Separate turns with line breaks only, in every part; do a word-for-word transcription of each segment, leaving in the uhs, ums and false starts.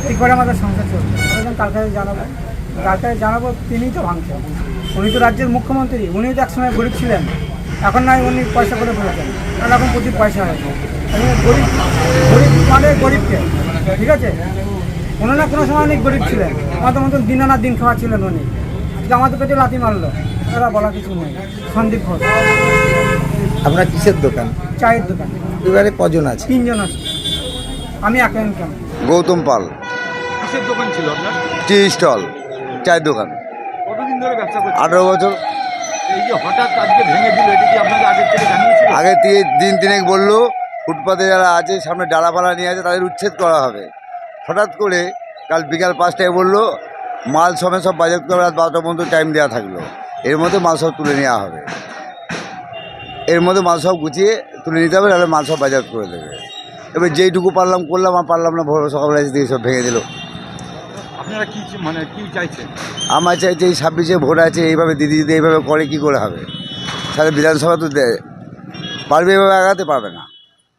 এই করে আমাদের সংসার চলছে। আমরা কালকে জানাবো কালকে জানাবো তিনিই তো ভাঙছেন। উনি তো রাজ্যের মুখ্যমন্ত্রী, উনিও তো একসময় গরিব ছিলেন, এখন নয় উনি পয়সা করে বলেছেন, কারণ এখন প্রচুর পয়সা হয়েছে। গরিব গরিব মানে গরিবকে, ঠিক আছে, কোনো না কোনো সময় অনেক গরিব ছিলেন, আমাদের মতন দিন আনার দিন খাওয়া ছিলেন উনি। আজকে আমাদের পেটে লাথি মারলো, এরা বলা কিছু নেই। সন্দীপ ঘোষ।
আপনার কিসের দোকান?
চায়ের দোকান।
পরিবারে কজন আছে?
তিনজন আছে, আমি একা ইনকাম।
গৌতম পাল।
কিসের দোকান ছিল আপনার?
টি স্টল, চায়ের দোকান।
কতদিন ধরে ব্যবসা করছেন?
আঠেরো বছর।
এই যে হঠাৎ আজকে ভেঙে দিল, এটা কি আপনাদের আগের থেকে জানিয়েছিল?
আগে থেকে দিন তিনেক বললো ফুটপাতে যারা আছে সামনে ডালাপালা নিয়ে আছে তাদের উচ্ছেদ করা হবে। হঠাৎ করে কাল বিকাল পাঁচটায় বললো মাল সমেত সব বাজেট করে রাত বারোটা পর্যন্ত টাইম দেওয়া থাকলো, এর মধ্যে মাল সব তুলে নেওয়া হবে, এর মধ্যে মাল সব গুছিয়ে তুলে নিতে হবে, তাহলে মাল সব বাজার করে দেবে। এবার যেইটুকু পারলাম করলাম, আর পারলাম না ভোর সকালবেলা এসে দিয়ে সব ভেঙে দিল।
আপনারা কি মানে কি চাইছেন?
আমার চাইছে এই ছাব্বিশে ভোট আছে, এইভাবে দিদি দিদি এইভাবে করে কী করে হবে? সাথে বিধানসভা তো দেয় পারবে, এভাবে আগাতে পারবে না।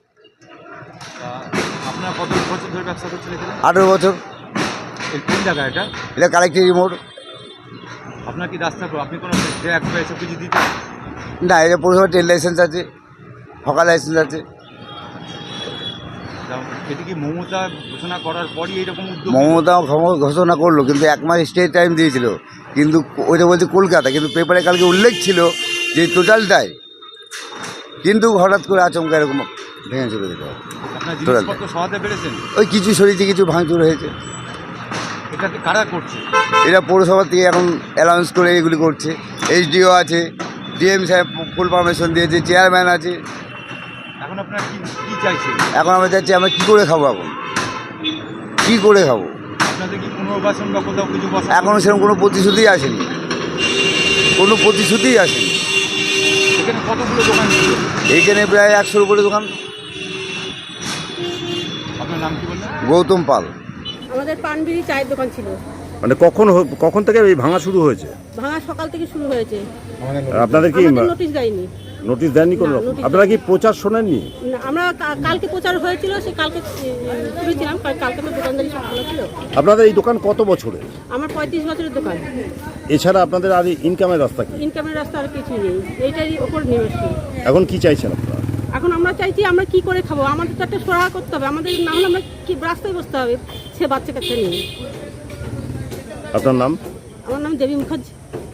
আপনারা কত বছর ধরে ব্যবসা করছেন এখানে?
আঠেরো বছর।
এই কোন জায়গা এটা?
এটা কালেক্টরি মোড়।
আপনার কি রাস্তা, আপনি কোনো ট্র্যাক বা এসব কিছু দিতেন?
না, এটা পৌরসভা ট্রেড লাইসেন্স আছে, হকার লাইসেন্স আছে।
এটা কি মমতা ঘোষণা করার পরই এইরকম উদ্যোগ?
মমতা ঘোষণা করলো, কিন্তু এক মাস স্টে টাইম দিয়েছিল, কিন্তু ওইটা বলছে কলকাতা, কিন্তু পেপারে কালকে উল্লেখ ছিল যে টোটালটাই, কিন্তু হঠাৎ করে আচমকা এরকম ভেঙে চলে যেতে হবে।
আপনার জিনিসপত্র সহাতে পেরেছেন?
ওই কিছু সরিয়েছে, কিছু ভাঙচুর হয়েছে।
এটা কারা করছে?
এরা পৌরসভা থেকে এখন অ্যালাউন্স করে এগুলি করছে। এইচডিও আছে, ডিএম সাহেব ফুল পারমিশন দিয়েছে, চেয়ারম্যান আছে।
এখন আপনারা কি কি চাইছেন?
এখন আমরা চাচ্ছি আমরা কী করে খাবো, এখন কী করে খাবো?
আপনাদের কি পুনর্বাসন বা কোথাও কিছু বসা?
এখনও সেরকম কোনো প্রতিশ্রুতিই আসেনি, কোনো প্রতিশ্রুতিই আসেনি।
এখানে কতগুলো দোকান ছিল?
এইখানে প্রায় একশোর উপরে দোকান।
আপনার নাম কি বললেন?
গৌতম পাল।
আমাদের পানবিড়ি চায়ের দোকান ছিল।
মানে কখন হ- কখন থেকে এই ভাঙা শুরু হয়েছে?
ভাঙা সকাল থেকে শুরু হয়েছে।
আপনাদের কি
আমাদের নোটিশ দেয়নি।
নোটিশ দেননি কোনো
না,
রকম?
নোটিশ
আপনারা কি প্রচার শোনেননি?
না, আমরা কা- কালকে প্রচার হয়েছিল, সে কালকে শুনেছিলাম, কালকে তো দোকানদারি সব ভালো ছিল।
আপনাদের এই দোকান কত বছরের?
আমার পঁয়ত্রিশ বছরের দোকান।
এছাড়া আপনাদের আর ইনকামের রাস্তা কি?
ইনকামের রাস্তা আর কিছু নেই, এইটারই ওপর নির্ভরশীল।
এখন কি চাইছেন আপনারা?
এখন আমরা চাইছি আমরা কি করে খাবো, আমাদের তো একটা সহায় করতে হবে, আমাদের না হলে আমরা কি রাস্তায় বসতে হবে সে বাচ্চা কাচ্চা নিয়ে।
আপনার নাম?
আমার নাম দেবী মুখার্জি।